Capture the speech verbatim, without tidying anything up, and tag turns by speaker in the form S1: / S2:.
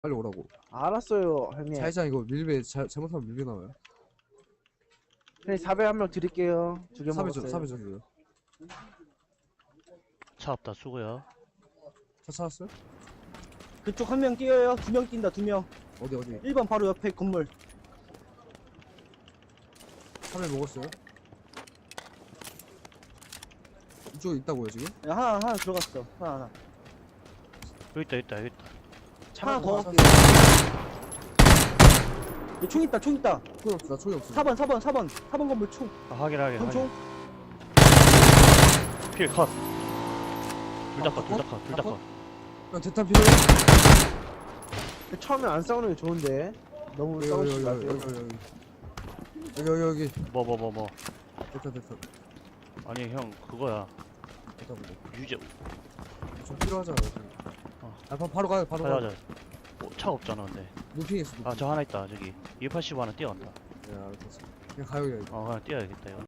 S1: 빨리 오라고.
S2: 알았어요, 형님.
S1: 자이장 이거 밀배 자, 잘못하면 밀배 나와요.
S2: 형님 사배 한 명 드릴게요. 두 개
S1: 삼회 줘,
S2: 먹었어요.
S1: 삼회 줘요.
S3: 차 없다 수고요.
S1: 차 찾았어요?
S4: 그쪽 한 명 뛰어요. 두 명 뛴다, 두 명.
S1: 어디 어디?
S4: 일 번 바로 옆에 건물.
S1: 삼회 먹었어요? 이쪽에 있다고요 지금?
S4: 야, 하나, 하나 들어갔어. 하나, 하나.
S3: 여기 있다 여기 있다 여기 있다.
S4: 하나 더
S1: 아,
S4: 갈게요. 얘 총 있다, 총 있다.
S1: 총이 없어, 나 총이 없어.
S4: 사 번, 사 번, 사 번. 사 번 건물 총.
S3: 아, 확인 확인
S4: 형 총.
S3: 확인. 필 컷. 둘 다
S1: 아,
S3: 컷, 둘 다 컷, 둘 다 컷.
S1: 형 대탄 필요해?
S2: 처음에 안 싸우는 게 좋은데. 너무
S1: 여기
S2: 싸우지
S1: 여기 여기
S2: 마세요.
S1: 여기 여기 여기 여기 여기
S3: 뭐 뭐 뭐 뭐.
S1: 대탄 대탄
S3: 아니 형 그거야.
S1: 대탄 보고.
S3: 유제.
S1: 좀 필요하잖아.
S3: 어.
S1: 아 바, 바로 가요 바로
S3: 가자
S1: 가.
S3: 가자. 어, 차 없잖아 근데.
S1: 루핑 있어. 루핑.
S3: 아 저 하나 있다 저기. 이백팔십오 하나 뛰어간다.
S1: 네 알았어. 그냥 가요 그냥.
S3: 어 그냥 뛰어야겠다 이거.